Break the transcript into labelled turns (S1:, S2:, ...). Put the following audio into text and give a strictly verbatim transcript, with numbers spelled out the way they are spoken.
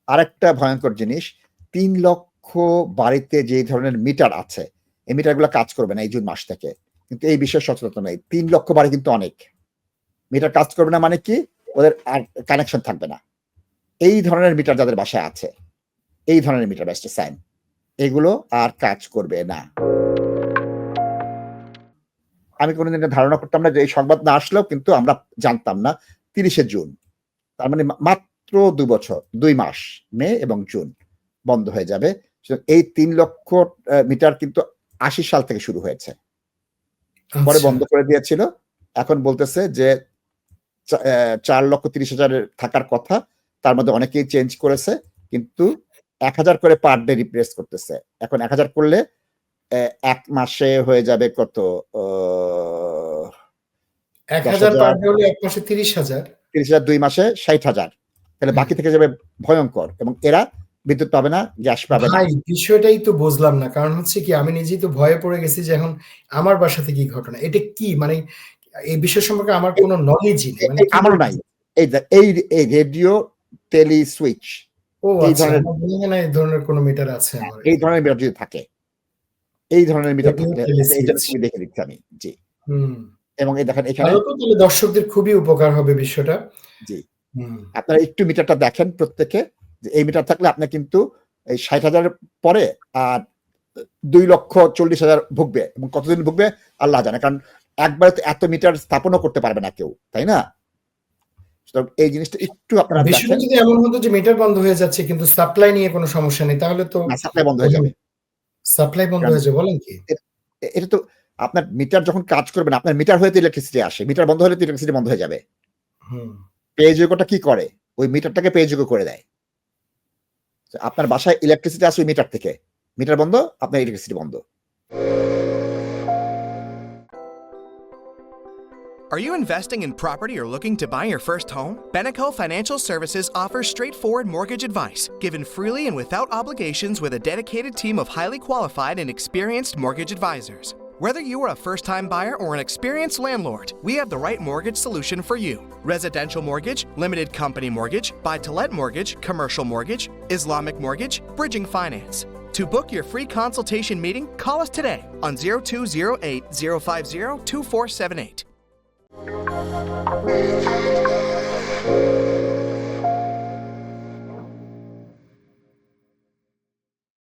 S1: আরেকটা ভয়ঙ্কর জিনিস, তিন লক্ষ বাড়িতে যে ধরনের মিটার আছে, এই মিটারগুলো কাজ করবে না এই জুন মাস থেকে। কিন্তু এই বিষয়ে সচেতন নেই। তিন লক্ষ বাড়ি কিন্তু অনেক। মিটার কাজ করবে না মানে কি? ওদের আর কানেকশন থাকবে না। এই ধরনের মিটার যাদের বাসায় আছে, এই ধরনের মিটার ব্যাসটা সাইন। এগুলো আর কাজ করবে না। আমি কোনদিন এটা ধারণা করতাম না যে এই সংবাদ না আসলেও কিন্তু আমরা জানতাম না ত্রিশে জুন। তার মানে মা মাত্র দুই বছর, দুই মাস মে এবং জুন বন্ধ হয়ে যাবে। এই তিন লক্ষ আ মিটার কিন্তু আশি সাল থেকে শুরু হয়েছে। পরে
S2: আচ্ছা।
S1: বন্ধ করে দিয়েছিল। এখন বলতেছে যে চা অ্যা চার লক্ষ ত্রিশ হাজার এর থাকার কথা। তার মধ্যে অনেকেই চেঞ্জ করেছে। কিন্তু এক হাজার করে পার ডে রিপ্লেস করতেছে। এখন এক হাজার করলে অ্যা এক মাসে হয়ে যাবে কত? অ
S2: এক
S1: দশ
S2: হাজার পার
S1: হাজার
S2: ডে হলে এক মাসে ত্রিশ হাজার?
S1: ত্রিশ হাজার দুই মাসে ষাট হাজার। তাহলে
S2: হুম।
S1: বাকি থেকে যাবে ভয়ঙ্কর এবং এরা বিদ্যুৎ পাবে না, গ্যাস পাবে না।
S2: ভাই বিষয়টাই তো বুঝলাম না। কারণ হচ্ছে কি আমি নিজেই তো ভয়ে পড়ে গেছি যে এখন আমার বাসাতে কি ঘটনা? এটা কি? মানে এই বিষয় সম্পর্কে আমার
S1: এই
S2: কোন নলেজই নেই।
S1: এ
S2: মানে
S1: এই
S2: কি
S1: আমারও
S2: বলতে
S1: নাই।
S2: চাচ্ছেন?
S1: এই দে এই এই রেডিও টেলি সুইচ
S2: ও
S1: এই
S2: আচ্ছা।
S1: ধরনের
S2: আমার মনে হয় না এই ধরনের কোন মিটার আছে
S1: হ্যাঁ,
S2: আমার
S1: এই
S2: এখানে।
S1: ধরনের মিটার যদি থাকে। এই ধরনের মিটার
S2: রেডিও
S1: থাকলে
S2: টেলি
S1: আচ্ছা এই
S2: সুইচ।
S1: জন্য ছবি দেখে দিচ্ছি আমি। জি।
S2: হুম।
S1: এবং এই দেখেন এখানে
S2: তাহলে তো তাহলে দর্শকদের খুবই উপকার হবে বিষয়টা।
S1: জি।
S2: হুম।
S1: আপনারা একটু মিটারটা দেখেন প্রত্যেকে যে এই মিটার থাকলে আপনার কিন্তু এই ষাট হাজার এর পরে আর অ দুই লক্ষ চল্লিশ হাজার ভুগবে এবং কতদিন ভুগবে আল্লাহ জানে। কারণ একবারে তো এত মিটার স্থাপনও করতে পারবে না কেউ। তাই না? সুতরাং এই জিনিসটা একটু আপনারা
S2: বিষয়টা
S1: দেখেন।
S2: যদি এমন হতো যে মিটার বন্ধ হয়ে যাচ্ছে কিন্তু সাপ্লাই নিয়ে কোন সমস্যা নেই তাহলে তো
S1: না সাপ্লাই বন্ধ হয়ে যাবে।
S2: সাপ্লাই বন্ধ
S1: কারণ
S2: হয়ে যাবে বলেন কি?
S1: এ এটা তো আপনার মিটার যখন কাজ করবে না, আপনার মিটার হয়ে তো ইলেকট্রিসিটি আসে। মিটার বন্ধ হলে তো ইলেকট্রিসিটি বন্ধ হয়ে যাবে।
S2: হুম।
S1: পে যোগ্যটা কি করে? ওই মিটারটাকে পে যোগ্য করে দেয়। আপনার বাসায় ইলেকট্রিসিটি আসে ওই মিটার থেকে। মিটার বন্ধ, আপনার ইলেকট্রিসিটি বন্ধ।
S3: Are you investing in property or looking to buy your first home? Beneco Financial Services offers straightforward mortgage advice, given freely and without obligations with a dedicated team of highly qualified and experienced mortgage advisors. Whether you are a first-time buyer or an experienced landlord, we have the right mortgage solution for you. Residential mortgage, limited company mortgage, buy-to-let mortgage, commercial mortgage, Islamic mortgage, bridging finance. To book your free consultation meeting, call us today on zero two zero eight, zero five zero, two four seven eight.